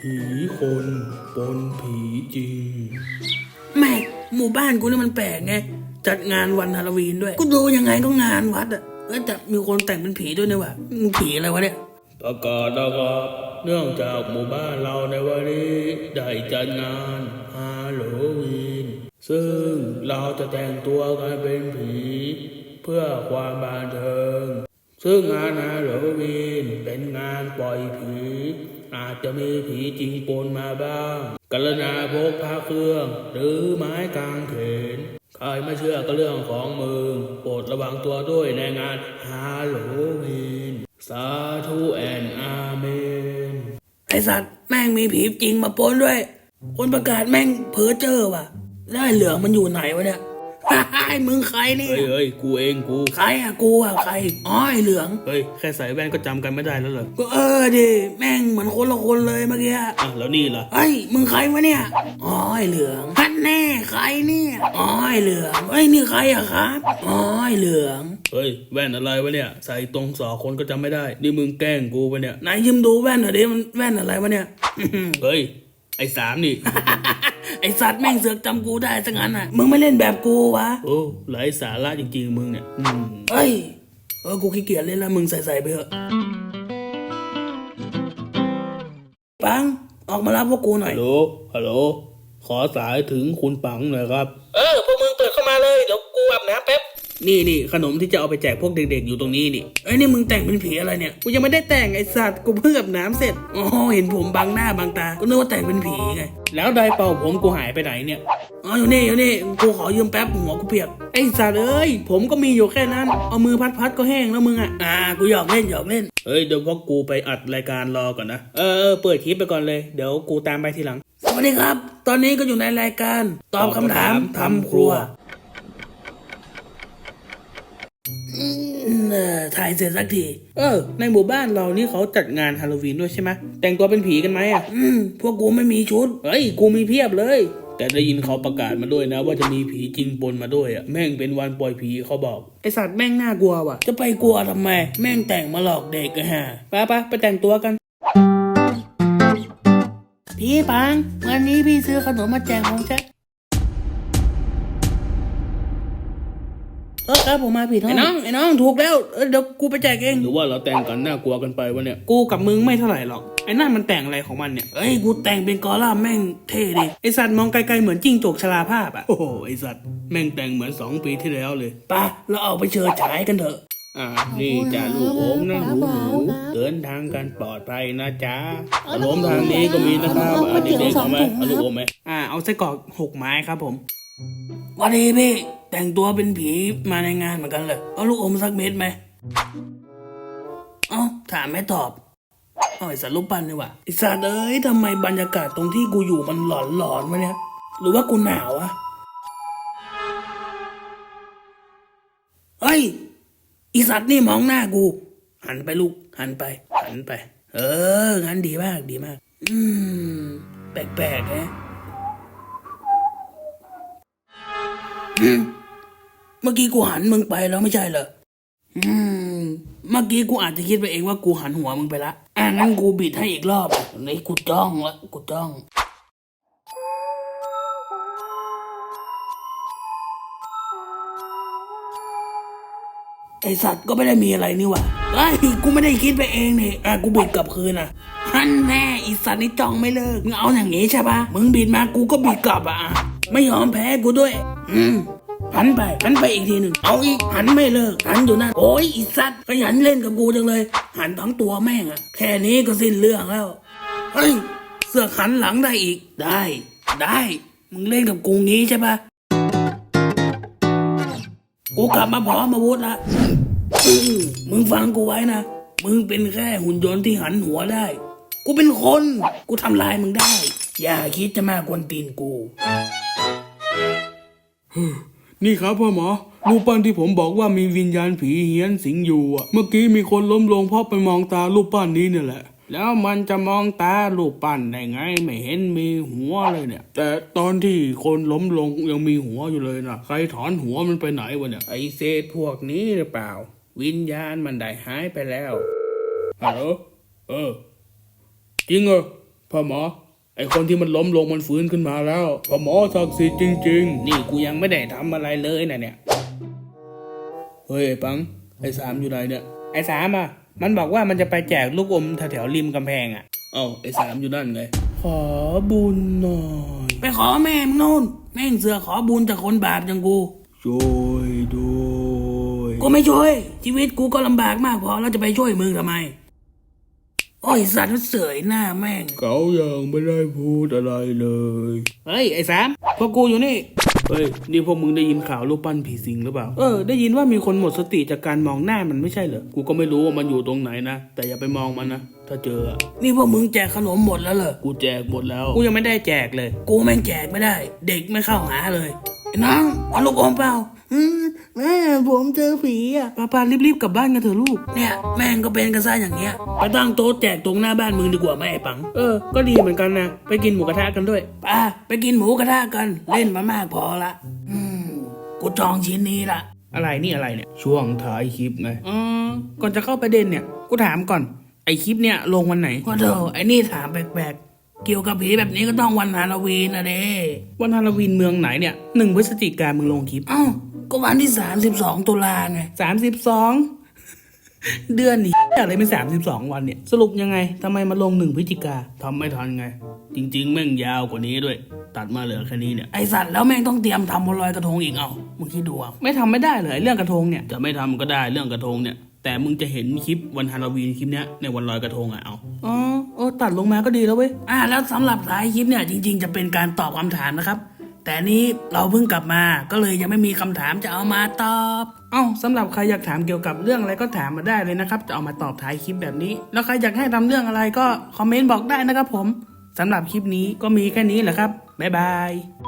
ผีคนปนผีจริงแม่หมู่บ้านกูนี่มันแปลกไงจัดงานวันฮาโลวีนด้วยกูดูยังไงก็งานวัดอ่ะแต่มีคนแต่งเป็นผีด้วยนะวะมึงผีอะไรวะเนี่ยประกาศนะครับเนื่องจากหมู่บ้านเราในวันนี้ได้จัดงานฮาโลวีนซึ่งเราจะแต่งตัวกันเป็นผีเพื่อความบันเทิงซึ่งงานฮาโลวีนเป็นงานปล่อยผีอาจจะมีผีจริงปนมาบ้างกรุณาพกพาเครื่องหรือไม้กางเขนใครไม่เชื่อก็เรื่องของมึงโปรดระวังตัวด้วยในงานฮาโลวีนสาธุแอนอาเมนไอสัตว์แม่งมีผีจริงมาปนด้วยคนประกาศแม่งเพ้อเจ้อว่ะแล้วไอ้เหลืองมันอยู่ไหนวะเนี่ยไอ้มึงใครนี่เฮ้ยกูเองกูใครอะกูอะใครอ๋อไอ้เหลืองเฮ้ยแค่ใส่แว่นก็จำกันไม่ได้แล้วเหรอก็ดิแม่งเหมือนคนละคนเลยเมื่อกี้แล้วนี่ล่ะเฮ้ยมึงใครวะเนี่ยอ๋อไอ้เหลืองท่านแน่ใครเนี่ยอ๋อไอ้เหลืองเฮ้ยนี่ใครอะครับอ๋อไอ้เหลืองเฮ้ยแว่นอะไรวะเนี่ยใส่ตรงสอคนก็จำไม่ได้นี่มึงแกล้งกูปะเนี่ยไหนยืมดูแว่นหน่อยดิมันแว่นอะไรวะเนี่ยเฮ้ยไอ้สามนี่ไอสัตว์แม่งเสือกจำกูได้ซะงั้นอ่ะมึงไม่เล่นแบบกูวะโอ้ไร้สาระจริงๆมึงเนี่ยเฮ้ยกูขี้เกียจเล่นแล้วมึงใส่ไปเถอะปังออกมารับพวกกูหน่อยฮัลโหลขอสายถึงคุณปังหน่อยครับพวกมึงเปิดเข้ามาเลยเดี๋ยวกูอาบน้ำแป๊บนี่ขนมที่จะเอาไปแจกพวกเด็กๆอยู่ตรงนี้นี่นี่มึงแต่งเป็นผีอะไรเนี่ยกูยังไม่ได้แต่งไอสัตว์กูเพิ่งอาบน้ำเสร็จอ๋อเห็นผมบังหน้าบังตาก็นึกว่าแต่งเป็นผีไงแล้วไดเป่าผมกูหายไปไหนเนี่ยอยู่นี่กูขอยืมแป๊บหัวกูเปียกไอสัตว์เอ้ยผมก็มีอยู่แค่นั้นเอามือพัดก็แห้งแล้วมึงกูหยอกเล่นเฮ้ยเดี๋ยวพวกกูไปอัดรายการรอก่อนนะเปิดคลิปไปก่อนเลยเดี๋ยวกูตามไปทีหลังสวัสดีครับตอนนี้ก็อยู่ในรายการตอบคำถามทำครัวถ่ายเสร็จสักทีในหมู่บ้านเรานี่เขาจัดงานฮาโลวีนด้วยใช่ไหมแต่งตัวเป็นผีกันไหมพวกกูไม่มีชุดเฮ้ยกูมีเพียบเลยแต่ได้ยินเขาประกาศมาด้วยนะว่าจะมีผีจริงปนมาด้วยแม่งเป็นวันปล่อยผีเขาบอกไอสัตว์แม่งน่ากลัวว่ะจะไปกลัวทำไมแม่งแต่งมาหลอกเด็กฮะไปแต่งตัวกันพี่ปังวันนี้พี่ซื้อขนมมาแจกผมใช่ครับผมมาผิดห้องไอ้น้องถูกแล้วเดี๋ยวกูไปแจกเองหรือว่าเราแต่งกันน่ากลัวกันไปวะเนี่ยกูกับมึงไม่เท่าไหร่หรอกไอ้นั่นมันแต่งอะไรของมันเนี่ยกูแต่งเป็นกอล่าแม่งเท่ดิไอสัตว์มองไกลๆเหมือนจิ้งจกชราภาพโอ้โหไอสัตว์แม่งแต่งเหมือน2 ปีที่แล้วเลยป่ะเราออกไปเชิญฉายกันเถอะนี่จ้าลูกโอมนะหนูเดินทางกันปลอดภัยนะจ๊ะขนมทางนี้ก็มีนะครับเด็กๆเอาไหมเอาลูกโอมไหมเอาไส้กรอก6 ไม้ครับผมวันนี้พี่แต่งตัวเป็นผีมาในงานเหมือนกันเลยเอาลูกอมสักเม็ดไหมถามไม่ตอบไอสัตว์รูปปั้นนี่วะไอสัตว์เอ้ยทำไมบรรยากาศตรงที่กูอยู่มันหลอนวะเนี่ยหรือว่ากูหนาวอะไอสัตว์นี่มองหน้ากูหันไปลูกหันไปงั้นดีมากแปลกๆนะเมื่อกี้กูหันมึงไปแล้วไม่ใช่เหรอเมื่อกี้กูอาจจะคิดไปเองว่ากูหันหัวมึงไปละงั้นกูบิดให้อีกรอบนี่กูจ้องไอสัตว์ก็ไม่ได้มีอะไรนี่หว่ากูไม่ได้คิดไปเองนี่กูบิดกลับคืนฮันแน่ไอสัตว์นี่จ้องไม่เลิกมึงเอาอย่างงี้ใช่ปะมึงบิดมากูก็บิดกลับไม่ยอมแพ้กูด้วยหันไปอีกทีหนึ่งเอาอีกหันไม่เลิกหันอยู่นั่นโอ้ยอีสัตว์ขยันเล่นกับกูจังเลยหันทั้งตัวแม่งแค่นี้ก็สิ้นเรื่องแล้วเสือกหันหลังได้อีกได้มึงเล่นกับกูงี้ใช่ปะกูกลับมาพร้อมอาวุธละมึงฟังกูไว้นะมึงเป็นแค่หุ่นยนต์ที่หันหัวได้กูเป็นคนกูทำลายมึงได้อย่าคิดจะมากวนตีนกูนี่ครับพ่อหมอรูปปั้นที่ผมบอกว่ามีวิญญาณผีเฮี้ยนสิงอยู่เมื่อกี้มีคนล้มลงเพราะไปมองตารูปปั้นนี้เนี่ยแหละแล้วมันจะมองตารูปปั้นได้ไงไม่เห็นมีหัวเลยเนี่ยแต่ตอนที่คนล้มลงยังมีหัวอยู่เลยนะใครถอนหัวมันไปไหนวะเนี่ยไอเศษพวกนี้หรือเปล่าวิญญาณมันได้หายไปแล้วฮัลโหลจริงเหรอพ่อหมอ ไอคนที่มันล้มลงมันฟื้นขึ้นมาแล้วพ่อหมอศักดิ์สิทธิ์จริงๆนี่กูยังไม่ได้ทำอะไรเลยนะเนี่ยเฮ้ยไอ้ปังไอ้สามอยู่ไหนเนี่ยไอ้สามอ่ะมันบอกว่ามันจะไปแจกลูกอมแถวๆริมกำแพงอ่ะเอ้าไอ้สามอยู่นั่นไงขอบุญหน่อยไปขอแม่มึงโน่นแม่งเสือขอบุญจากคนบาปอย่างกูช่วยด้วยกูไม่ช่วยชีวิตกูก็ลำบากมากพอแล้วจะไปช่วยมึงทำไมโอ้ยสัตว์มันเสยหน้าแม่งเขายังไม่ได้พูดอะไรเลยเฮ้ยไอ้สามพวกกูอยู่นี่เฮ้ยนี่พวกมึงได้ยินข่าวรูปปั้นผีสิงหรือเปล่าได้ยินว่ามีคนหมดสติจากการมองหน้ามันไม่ใช่เหรอกูก็ไม่รู้ว่ามันอยู่ตรงไหนนะแต่อย่าไปมองมันนะถ้าเจออะนี่พวกมึงแจกขนมหมดแล้วเหรอกูแจกหมดแล้วกูยังไม่ได้แจกเลย กูแม่งแจกไม่ได้ เด็กไม่เข้าหาเลยไอ้น้องเอาลูกอมเปล่าแม่ผมเจอผีอ่ะป้ารีบๆกลับบ้านกันเถอะลูกเนี่ยแม่งก็เป็นกันซะอย่างเงี้ยไปตั้งโต๊ะแจกตรงหน้าบ้านมึงดีกว่าไหมไอ้ปังก็ดีเหมือนกันนะไปกินหมูกระทะกันด้วยป้าไปกินหมูกระทะกันเล่นมามากพอละกูจองชิ้นนี้ละอะไรนี่อะไรเนี่ยช่วงท้ายคลิปไงก่อนจะเข้าประเด็นเนี่ยกูถามก่อนไอคลิปเนี่ยลงวันไหนก็เถอะไอ้นี่ถามแปลกๆเกี่ยวกับผีแบบนี้ก็ต้องวันฮาโลวีนนะเด้วันฮาโลวีนเมืองไหนเนี่ย1 พฤศจิกายนมึงลงคลิปเอ้าก็วันที่32 ตุลาไง 32 เดือนนี้อะไรเป็น32 วันเนี่ยสรุปยังไงทำไมมาลง1 พฤศจิกาทำไม่ทันไง จริงๆแม่งยาวกว่านี้ด้วย ตัดมาเหลือแค่นี้เนี่ยไอสัตว์แล้วแม่งต้องเตรียมทำบนลอยกระทงอีกเอามึงคิดดูเอาไม่ทำไม่ได้เลยเรื่องกระทงเนี่ยจะไม่ทำก็ได้เรื่องกระทงเนี่ยแต่มึงจะเห็นคลิปวันฮาโลวีนคลิปเนี้ยในวันลอยกระทงอ่ะเอาตัดลงมาก็ดีแล้วเว้ยแล้วสำหรับท้ายคลิปเนี่ยจริงๆจะเป็นการตอบคำถามนะครับแต่นี้เราเพิ่งกลับมาก็เลยยังไม่มีคำถามจะเอามาตอบสำหรับใครอยากถามเกี่ยวกับเรื่องอะไรก็ถามมาได้เลยนะครับจะเอามาตอบท้ายคลิปแบบนี้แล้วใครอยากให้ทำเรื่องอะไรก็คอมเมนต์บอกได้นะครับผมสำหรับคลิปนี้ก็มีแค่นี้แหละครับบ๊ายบาย